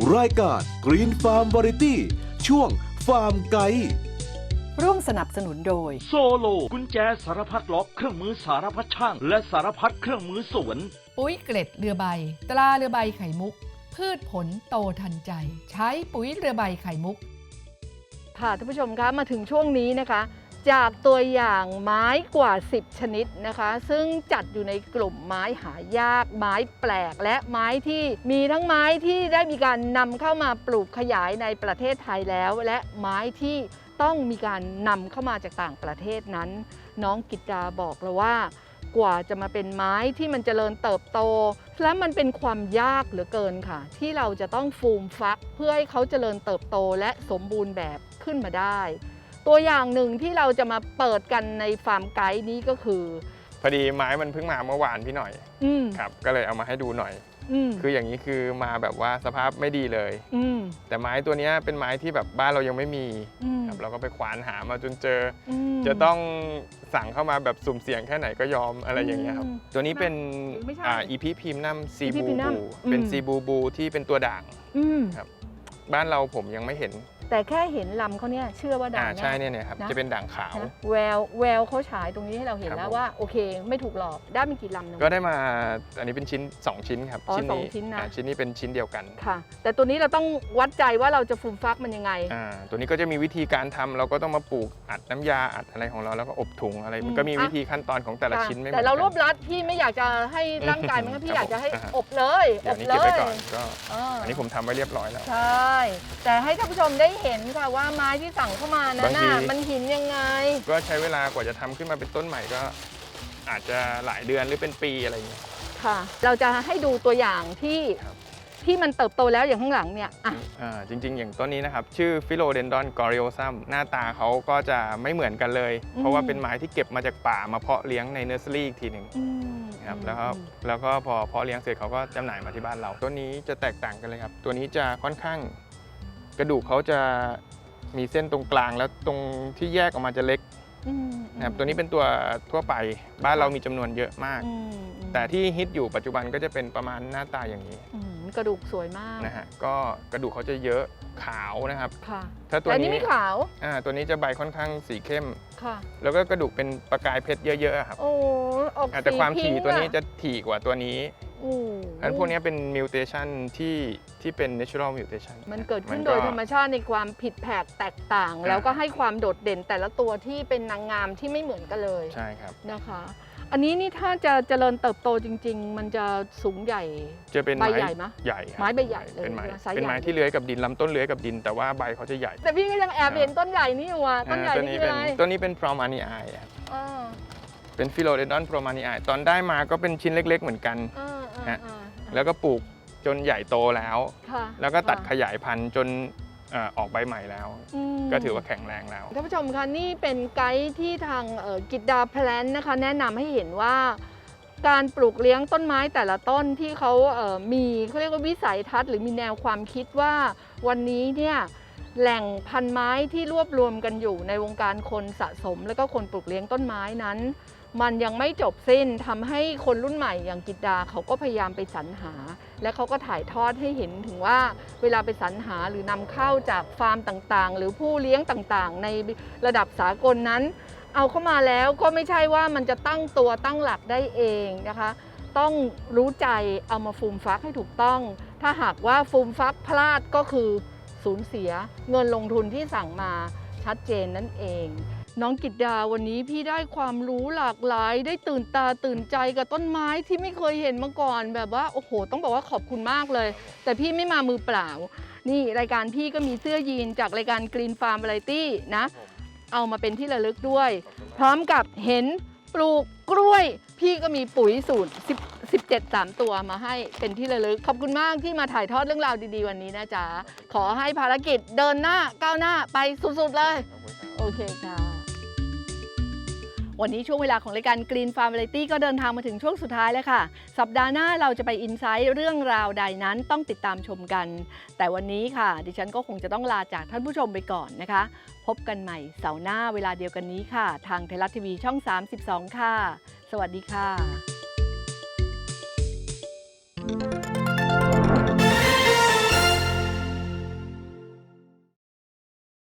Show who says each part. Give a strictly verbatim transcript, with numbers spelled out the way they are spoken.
Speaker 1: รายการ Green Farm Variety ช่วงฟาร์มไกด์
Speaker 2: ร่วมสนับสนุนโดย
Speaker 3: โซโลกุญแจสารพัดล็อกเครื่องมือสารพัดช่างและสารพัดเครื่องมือสวน
Speaker 4: ปุ๋ยเกล็ดเรือใบตราเรือใบไข่มุกพืชผลโตทันใจใช้ปุ๋ยเรือใบไข่มุก
Speaker 2: ค่ะท่านผู้ชมคะมาถึงช่วงนี้นะคะจากตัวอย่างไม้กว่าสิบชนิดนะคะซึ่งจัดอยู่ในกลุ่มไม้หายากไม้แปลกและไม้ที่มีทั้งไม้ที่ได้มีการนำเข้ามาปลูกขยายในประเทศไทยแล้วและไม้ที่ต้องมีการนำเข้ามาจากต่างประเทศนั้นน้องกิตตาบอกเราว่ากว่าจะมาเป็นไม้ที่มันเจริญเติบโตและมันเป็นความยากเหลือเกินค่ะที่เราจะต้องฟูมฟักเพื่อให้เขาเจริญเติบโตและสมบูรณ์แบบขึ้นมาได้ตัวอย่างหนึ่งที่เราจะมาเปิดกันในฟาร์มไกด์นี้ก็คือ
Speaker 5: พอดีไม้มันเพิ่งมาเมื่อวานพี่หน่อยครับก็เลยเอามาให้ดูหน่อยคืออย่างนี้คือมาแบบว่าสภาพไม่ดีเลยแต่ไม้ตัวนี้เป็นไม้ที่แบบบ้านเรายังไม่มีครับเราก็ไปควานหามาจนเจอจะต้องสั่งเข้ามาแบบสุ่มเสี่ยงแค่ไหนก็ยอมอะไรอย่างเงี้ยครับตัวนี้เป็นอีพีพิมนัมซีบูบูเป็นซีบูบูที่เป็นตัวด่างครับบ้านเราผมยังไม่เห็น
Speaker 2: แต่แค่เห็นลำเขาเนี่ยเชื่อว่าด่าง
Speaker 5: ใช่เนี่ยครับจะเป็นด่างขาว
Speaker 2: แววแววเขาฉายตรงนี้ให้เราเห็นแล้วว่าโอเคไม่ถูกหลอกได้มีกี่ลำนึง
Speaker 5: ก็ได้มาอันนี้เป็นชิ้นสองชิ้นครับ
Speaker 2: ชิ้นนี้ชิ้นนะ
Speaker 5: ชิ้นนี้เป็นชิ้นเดียวกัน
Speaker 2: ค่ะแต่ตัวนี้เราต้องวัดใจว่าเราจะฟูมฟักมันยังไง
Speaker 5: อ่าตัวนี้ก็จะมีวิธีการทำเราก็ต้องมาปลูกอัดน้ำยาอัดอะไรของเราแล้วก็อบถุงอะไรมันก็มีวิธีขั้นตอนของแต่ละชิ้นไม่เหมือนกัน
Speaker 2: แต่เรารวบรัดพี่ไม่อยากจะให้ร่างกายมันพี่อยากจะให้อบเลย
Speaker 5: อบเลยก็อันนี้ผมทำไว้เรียบร้อยแล้ว
Speaker 2: ใช่แต่ให้ท่านผู้ชมได้เห็นค่ะว่าไม้ที่สั่งเข้ามานั้นน่ะมันหินยังไง
Speaker 5: ก็ใช้เวลากว่าจะทำขึ้นมาเป็นต้นใหม่ก็อาจจะหลายเดือนหรือเป็นปีอะไรอย่างเงี้ย
Speaker 2: ค่ะเราจะให้ดูตัวอย่างที่ที่มันเติบโตแล้วอย่างข้างหลังเนี่ยอ่ะ
Speaker 5: อ่าจริงๆอย่างต้นนี้นะครับชื่อฟิโลเดนดอนกอริโอซัมหน้าตาเขาก็จะไม่เหมือนกันเลยเพราะว่าเป็นไม้ที่เก็บมาจากป่ามาเพาะเลี้ยงในเนอร์เซอรี่อีกทีหนึ่งครับแล้วก็แล้วก็พอเพาะเลี้ยงเสร็จเขาก็จำหน่ายมาที่บ้านเราต้นนี้จะแตกต่างกันเลยครับตัวนี้จะค่อนข้างกระดูกเขาจะมีเส้นตรงกลางแล้วตรงที่แยกออกมาจะเล็กนะครับตัวนี้เป็นตัวทั่วไปบ้านเรามีจำนวนเยอะมากแต่ที่ฮิตอยู่ปัจจุบันก็จะเป็นประมาณหน้าตาอย่างนี้
Speaker 2: กระดูกสวยมาก
Speaker 5: นะฮะก็กระดูกเขาจะเยอะขาวนะครับ
Speaker 2: ค่ะ
Speaker 5: ถ้าตัวนี้
Speaker 2: ไม่ขาว
Speaker 5: อ่าตัวนี้จะใบค่อนข้างสีเข้มค่ะแล้วก็กระดูกเป็นประกายเพชรเยอะๆครับ
Speaker 2: โอ้ออก
Speaker 5: แต่ความถี่ตัวนี้จะถี่กว่าตัวนี้อันพวกนี้เป็นมิวเทชันที่ที่เป็น natural mutation
Speaker 2: มันเกิดขึ้นโดยธรรมชาติในความผิดแผกแตกต่างแล้วก็ให้ความโดดเด่นแต่ละตัวที่เป็นนางงามที่ไม่เหมือนกันเลย
Speaker 5: ใช่ครับ
Speaker 2: นะคะอันนี้นี่ถ้าจะเจริญเติบโตจริงๆมันจะสูงใหญ่
Speaker 5: จะเป็น
Speaker 2: ใบใหญ่ไหม
Speaker 5: ใหญ่
Speaker 2: ไม้ใบใหญ่เลย
Speaker 5: เป็นไม้เป็นไม้ที่เลื้อยกับดินลำต้นเลื้อยกับดินแต่ว่าใบเขาจะใหญ่
Speaker 2: แต่พี่ก็ยังแอบเห็นต้นใหญ่นี่อยู่อ่ะต้นใหญ่นี่คืออะไร
Speaker 5: ต้นนี้เป็น พรอมานีไอเป็นฟิโลเดนดอน พรอมานีไอตอนได้มาก็เป็นชิ้นเล็กๆเหมือนกันฮะแล้วก็ปลูกจนใหญ่โตแล้วแล้วก็ตัดขยายพันธุ์จนออกใบใหม่แล้วก็ถือว่าแข็งแรงแล้ว
Speaker 2: ท่านผู้ชมคะนี่เป็นไกด์ที่ทางกิตดาแพลนนะคะแนะนำให้เห็นว่าการปลูกเลี้ยงต้นไม้แต่ละต้นที่เขามีเขาเรียกว่าวิสัยทัศน์หรือมีแนวความคิดว่าวันนี้เนี่ยแหล่งพันไม้ที่รวบรวมกันอยู่ในวงการคนสะสมและก็คนปลูกเลี้ยงต้นไม้นั้นมันยังไม่จบสิ้นทำให้คนรุ่นใหม่อย่างกิตดาเขาก็พยายามไปสรรหาและเขาก็ถ่ายทอดให้เห็นถึงว่าเวลาไปสรรหาหรือนำเข้าจากฟาร์มต่างๆหรือผู้เลี้ยงต่างๆในระดับสากลนั้นเอาเข้ามาแล้วก็ไม่ใช่ว่ามันจะตั้งตัวตั้งหลักได้เองนะคะต้องรู้ใจเอามาฟูมฟักให้ถูกต้องถ้าหากว่าฟูมฟักพลาดก็คือสูญเสียเงินลงทุนที่สั่งมาชัดเจนนั่นเองน้องกิตดาวันนี้พี่ได้ความรู้หลากหลายได้ตื่นตาตื่นใจกับต้นไม้ที่ไม่เคยเห็นมาก่อนแบบว่าโอ้โหต้องบอกว่าขอบคุณมากเลยแต่พี่ไม่มามือเปล่านี่รายการพี่ก็มีเสื้อยีนจากรายการ Green Farm Variety นะเอามาเป็นที่ระลึกด้วยพร้อมกับเห็นปลูกกล้วยพี่ก็มีปุ๋ยสูตรสิบเจ็ด สามตัวมาให้เป็นที่ระลึกขอบคุณมากที่มาถ่ายทอดเรื่องราวดีๆวันนี้นะจ๊ะขอให้ภารกิจเดินหน้าก้าวหน้าไปสุดๆเลยโอเคค่ะวันนี้ช่วงเวลาของรายการ Green Farm Variety ก็เดินทางมาถึงช่วงสุดท้ายแล้วค่ะสัปดาห์หน้าเราจะไปอินไซต์เรื่องราวใดนั้นต้องติดตามชมกันแต่วันนี้ค่ะดิฉันก็คงจะต้องลาจากท่านผู้ชมไปก่อนนะคะพบกันใหม่เสาร์หน้าเวลาเดียวกันนี้ค่ะทางไทยรัฐทีวีช่องสามสิบสองค่ะสวัสดีค่ะ